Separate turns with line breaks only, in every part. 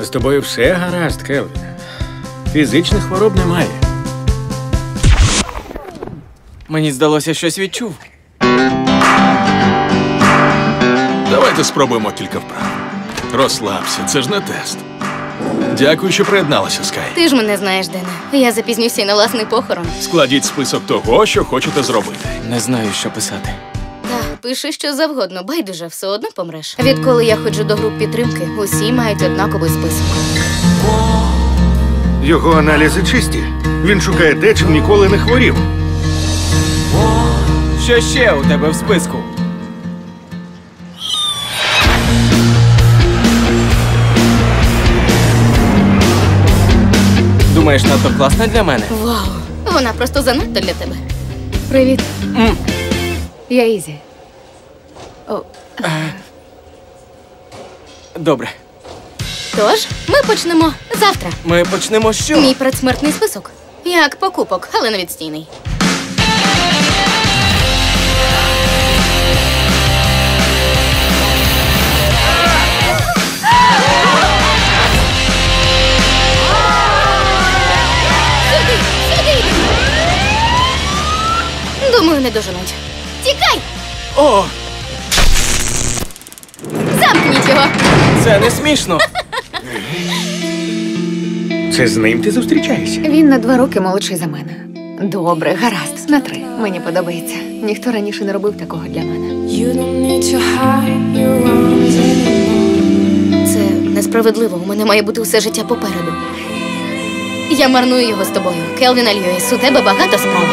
З тобою все гаразд, Келвіне. Фізичних хвороб немає.
Мені здалося, щось відчув.
Давайте спробуємо кілька вправ. Розслабся, це ж не тест. Дякую, що приєдналася, Скай.
Ти ж мене знаєш, Дене. Я запізнюся і на власний похорон.
Складіть список того, що хочете зробити.
Не знаю, що писати.
Та, пиши що завгодно, байдуже, все одно помреш. Відколи я ходжу до груп підтримки, усі мають однаковий список.
Його аналізи чисті. Він шукає те, чим ніколи не хворів.
Що ще у тебе в списку? Думаєш, надто класна для мене?
Вау, вона просто занадто для тебе.
Привіт. Я Ізі.
Добре.
Тож, ми почнемо завтра.
Ми почнемо з що?
Мій предсмертний список. Як покупок, але не відстійний. Сюди! Думаю, не доженуть. Тікай!
О,
Замкніть його!
це не смішно.
Це з ним ти зустрічаєшся?
Він на 2 роки молодший за мене. Добре, гаразд. На 3. Мені подобається. Ніхто раніше не робив такого для мене.
You don't need to hide your wrongs anymore.
Це несправедливо. У мене має бути усе життя попереду. Я марную його з тобою. Келвіне Льюіс, у тебе багато справ.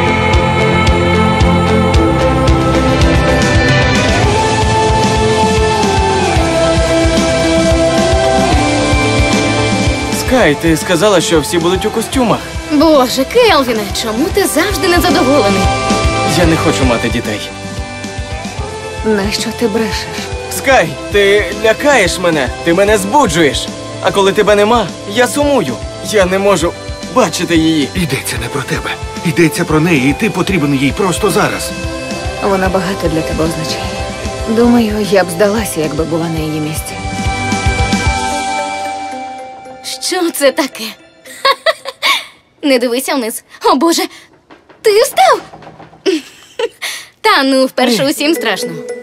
Скай, ти сказала, що всі будуть у костюмах.
Боже, Келвіне, чому ти завжди незадоволений?
Я не хочу мати дітей.
Нащо ти брешеш?
Скай, ти лякаєш мене, ти мене збуджуєш. А коли тебе нема, я сумую. Я не можу бачити її.
Йдеться не про тебе. Йдеться про неї, і ти потрібен їй просто зараз.
Вона багато для тебе означає. Думаю, я б здалася, якби була на її місці.
Що це таке? Не дивися вниз. О, Боже, ти встав? Та ну, вперше усім страшно.